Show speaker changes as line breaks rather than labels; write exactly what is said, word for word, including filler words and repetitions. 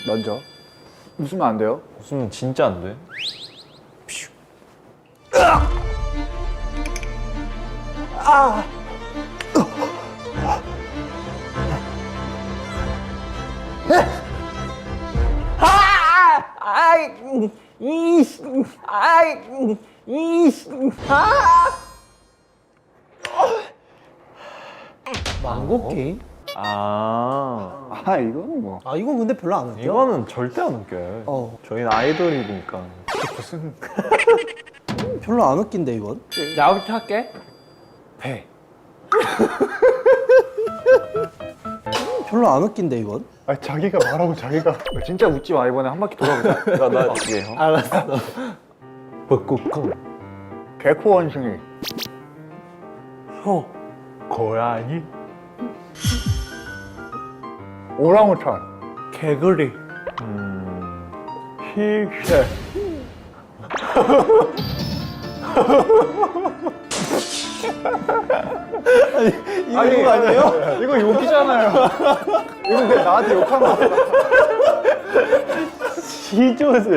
먼저. 웃으면 안 돼요?
웃으면 진짜 안 돼.
망고 게임?
아,
아, 이거는 뭐.
아 이건 근데 별로 안 웃겨.
이거는 절대 안 웃겨요.
어
저희는 아이돌이니까.
무슨.
별로 안 웃긴데 이건.
나부터 할게. 배.
별로 안 웃긴데 이건.
아, 자기가 말하고 자기가. 진짜 웃지 마. 이번에 한 바퀴 돌아보자.
야, 나 이게 형.
알았어.
벚꽃콩.
개코 원숭이.
혀.
고양이.
오랑우탄.
개구리.
음.
씩새.
이거 이거 아니에요?
이거 욕이잖아요. 이거 그냥 나한테 욕한 거.
시조새.